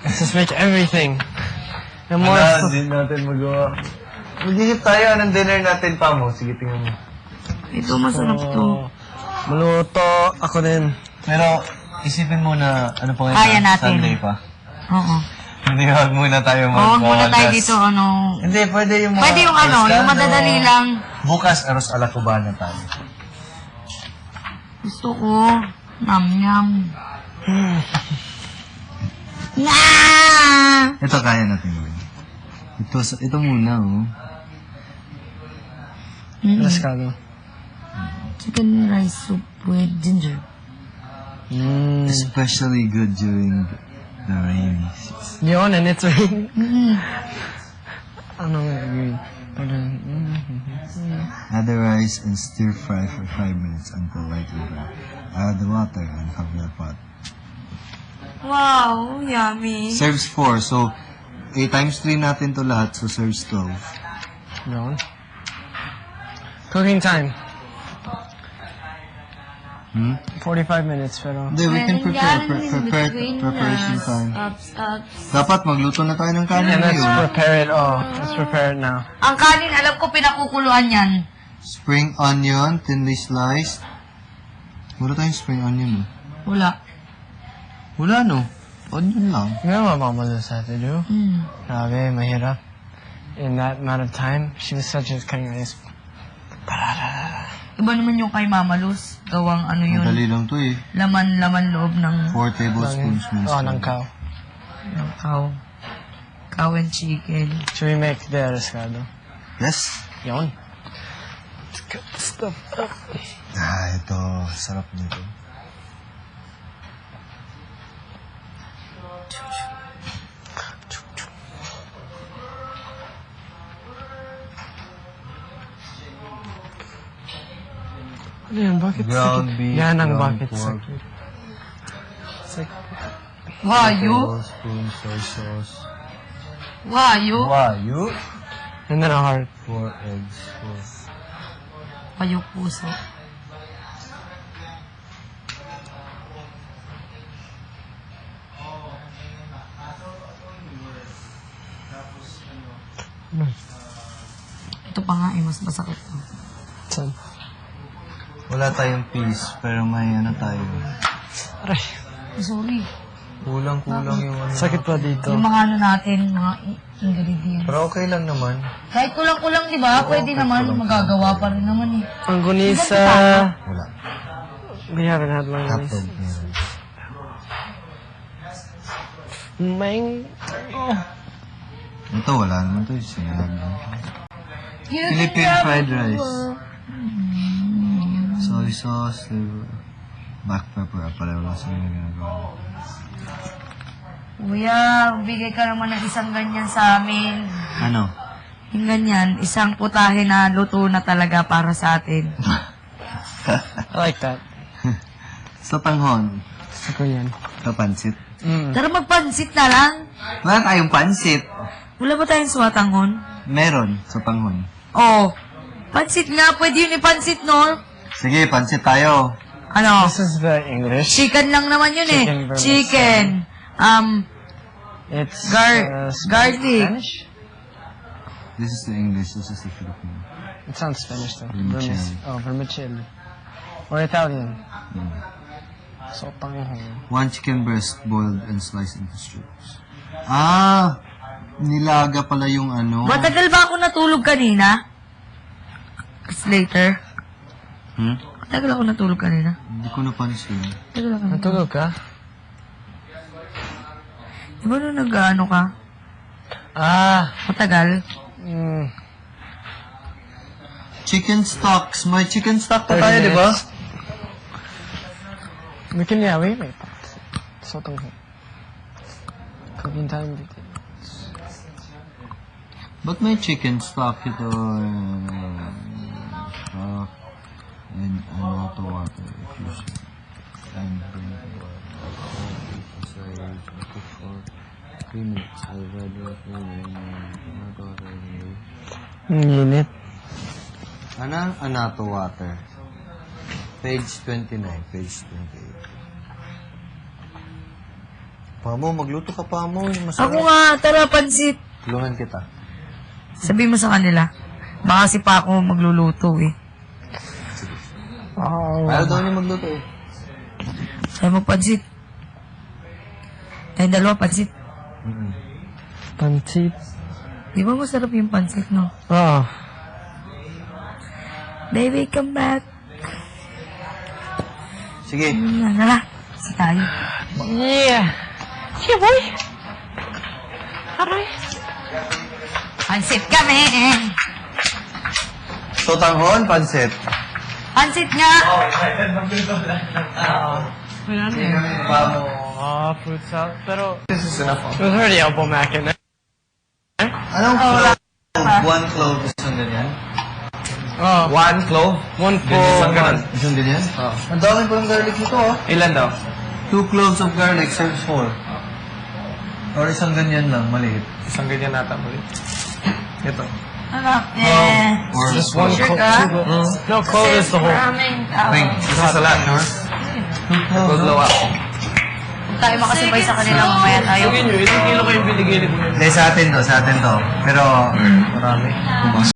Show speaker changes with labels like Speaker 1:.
Speaker 1: Let's just make everything. And more
Speaker 2: Wala, hindi natin magawa. Mag-isip tayo, anong dinner natin pa mo? Sige, tingnan mo.
Speaker 3: Ito, masarap to.
Speaker 1: Maluto ako din.
Speaker 2: Pero, isipin mo na, ano pa ngayon?
Speaker 3: Kaya natin.
Speaker 2: Sunday pa.
Speaker 3: Oo.
Speaker 2: Hindi, wag muna tayo
Speaker 3: Oo, wag muna tayo
Speaker 2: bukas.
Speaker 3: dito, ano.
Speaker 2: Hindi, pwede yung mga...
Speaker 3: Pwede yung ano, yung
Speaker 2: pescado.
Speaker 3: madadali lang.
Speaker 2: Bukas, aros ala Cubana tayo.
Speaker 3: Gusto ko. Nam-yam. Nah!
Speaker 2: Ito kaya natin gawin. Ito muna, oh.
Speaker 1: Pescado.
Speaker 3: Chicken rice soup with ginger.
Speaker 2: Especially good during the rainy season.
Speaker 1: Yun, and it's raining.
Speaker 3: Mm.
Speaker 1: Ano nga yun?
Speaker 2: Add the rice and stir fry for 5 minutes until lightly brown. Add the water and cover the pot.
Speaker 3: Wow, yummy.
Speaker 2: Serves 4, so 8 times 3 natin to lahat, so serves 12.
Speaker 1: Yun. Cooking time. 45 minutes, pero...
Speaker 2: Hindi, we can prepare preparation time. Dapat magluto na tayo ng kanin
Speaker 1: And let's
Speaker 2: ngayon.
Speaker 1: prepare it all. Let's prepare it now.
Speaker 3: Ang kanin, alam ko pinakukuluan yan.
Speaker 2: Spring onion, thinly sliced. Wala tayong spring onion,
Speaker 3: Wala.
Speaker 2: Wala, no? Onion lang.
Speaker 1: You know what Mama just had to do? Grabe, mahirap. In that amount of time, she was such a cutting rice.
Speaker 3: Iba naman yung kay Mama Luz. Gawang ano yun.
Speaker 2: Madali lang to eh.
Speaker 3: Laman loob ng
Speaker 2: 4 tablespoons mince.
Speaker 1: Oh, ng cow.
Speaker 3: cow. Cow and chicken.
Speaker 1: Should we make the pescado?
Speaker 2: Yes.
Speaker 1: Yun. Let's cut the stuff up.
Speaker 2: Ito. Sarap nito.
Speaker 1: Ano yan? Bakit
Speaker 2: Ground
Speaker 1: sakit?
Speaker 2: beef,
Speaker 1: Yan ang
Speaker 2: ground
Speaker 1: bakit
Speaker 2: pork.
Speaker 1: sakit. Sakit.
Speaker 3: Wayo?
Speaker 2: Tablespoon soy sauce.
Speaker 3: Wayo?
Speaker 2: Wayu.
Speaker 1: And then a heart.
Speaker 2: 4 eggs.
Speaker 3: Wayo puso. Ito pa nga mas masakit to.
Speaker 1: Saan?
Speaker 2: Wala tayong peas, pero may ano tayo.
Speaker 1: Aray.
Speaker 3: Sorry.
Speaker 2: Kulang-kulang yung ano.
Speaker 1: Sakit pa dito.
Speaker 3: Yung mga ano natin, mga ingredients.
Speaker 2: Pero okay lang naman.
Speaker 3: Kahit kulang-kulang, di ba? Pwede naman, magagawa pa rin naman eh.
Speaker 1: Ang gunisa.
Speaker 2: Wala.
Speaker 1: We haven't had one of
Speaker 2: Hotdog.
Speaker 1: these.
Speaker 2: Meron.
Speaker 1: Mang... Oh.
Speaker 2: Ito, wala naman to. Sinagag lang. Philippine fried rice. Soy sauce, black pepper. Pareho lang sa mga ginagawa.
Speaker 3: Kuya, bigay ka naman ng isang ganyan sa amin.
Speaker 2: Ano?
Speaker 3: Yung ganyan, isang putahe na luto na talaga para sa atin.
Speaker 1: I like that.
Speaker 2: Sa tanghon.
Speaker 1: Gusto ko yan.
Speaker 2: Sa pansit.
Speaker 3: Tara magpansit na lang.
Speaker 2: Wala tayong pansit.
Speaker 3: Wala ba tayong swatangon?
Speaker 2: Meron sa tanghon.
Speaker 3: Oh, pansit nga. Pwede yun ipansit, no?
Speaker 2: Sige, pansit tayo.
Speaker 3: Ano?
Speaker 1: This is the English.
Speaker 3: Chicken lang naman yun eh.
Speaker 1: Chicken vermicelli.
Speaker 3: Chicken.
Speaker 1: It's
Speaker 3: Garlic.
Speaker 1: Spanish?
Speaker 2: This is the English, this is the Filipino.
Speaker 1: It sounds Spanish though.
Speaker 2: Vermicelli.
Speaker 1: Vermicelli. Or Italian. So, panghong.
Speaker 2: 1 chicken breast boiled and sliced into strips. Ah! Nilaga pala yung ano.
Speaker 3: Matagal ba ako natulog kanina? It's later. Matagal ako natulog kanina.
Speaker 2: Hindi ko napansin.
Speaker 3: Matagal ako.
Speaker 1: Natulog ka?
Speaker 3: Di ba nung nag-ano ka?
Speaker 1: Ah!
Speaker 3: Matagal?
Speaker 2: Chicken stocks. May chicken stock pa
Speaker 1: 30
Speaker 2: tayo, di ba?
Speaker 1: minutes. We can, yeah, wait. So, panghong. Cooking time.
Speaker 2: Ba't may chicken stock ito? Stock and hot water. If you and bring the water. Cook for 3 minutes. I'll ready it hot water.
Speaker 1: Ang init.
Speaker 2: Ano? Anato water. Page 29, page 28. Pamo, magluto ka, Pamo. Yung masarap.
Speaker 3: Ako nga, tara, pansit.
Speaker 2: Tulungan kita.
Speaker 3: Sabi mo sa kanila. Baka si Paco magluluto eh.
Speaker 1: Oh,
Speaker 2: Ayaw daw niya magluto eh.
Speaker 3: Sabi mo, pansit. Tayong dalawa, pansit.
Speaker 1: pancit.
Speaker 3: Di ba masarap yung pansit, no?
Speaker 1: Oh.
Speaker 3: Baby, come back.
Speaker 2: Sige.
Speaker 3: Tara, si tayo.
Speaker 1: Yeah. Yeah, boy. Aray.
Speaker 3: Pansit kami.
Speaker 2: Sotanghon, pansit.
Speaker 3: Pansit nga.
Speaker 2: Pamo.
Speaker 1: Oh, fruit salad. Pero,
Speaker 2: This is enough.
Speaker 1: it was already elbow mac in there.
Speaker 2: Anong clove? One clove. Isang ganyan?
Speaker 1: Oh,
Speaker 2: One clove?
Speaker 1: one
Speaker 2: Isang ganun?
Speaker 1: full.
Speaker 2: Isang ganyan? Oo. Ang dami pa ng garlic nito, oh. Ilan daw? 2 cloves of garlic serves 4. Or isang ganyan lang, maliit. Isang ganyan nata, maliit. Ito.
Speaker 3: Anak, eh.
Speaker 2: Or
Speaker 1: Just one
Speaker 3: Sure
Speaker 1: clove.
Speaker 3: ka?
Speaker 1: No, clove is the whole.
Speaker 3: Maraming tao.
Speaker 2: Wait, isa sa lahat, no? 2 cloves. Dalawa.
Speaker 3: Kung tayo makasabay sa kanila, mamaya tayo.
Speaker 1: Sige nyo, ilang kilo kayong binigay ni
Speaker 2: Hindi, sa atin to. Pero, marami.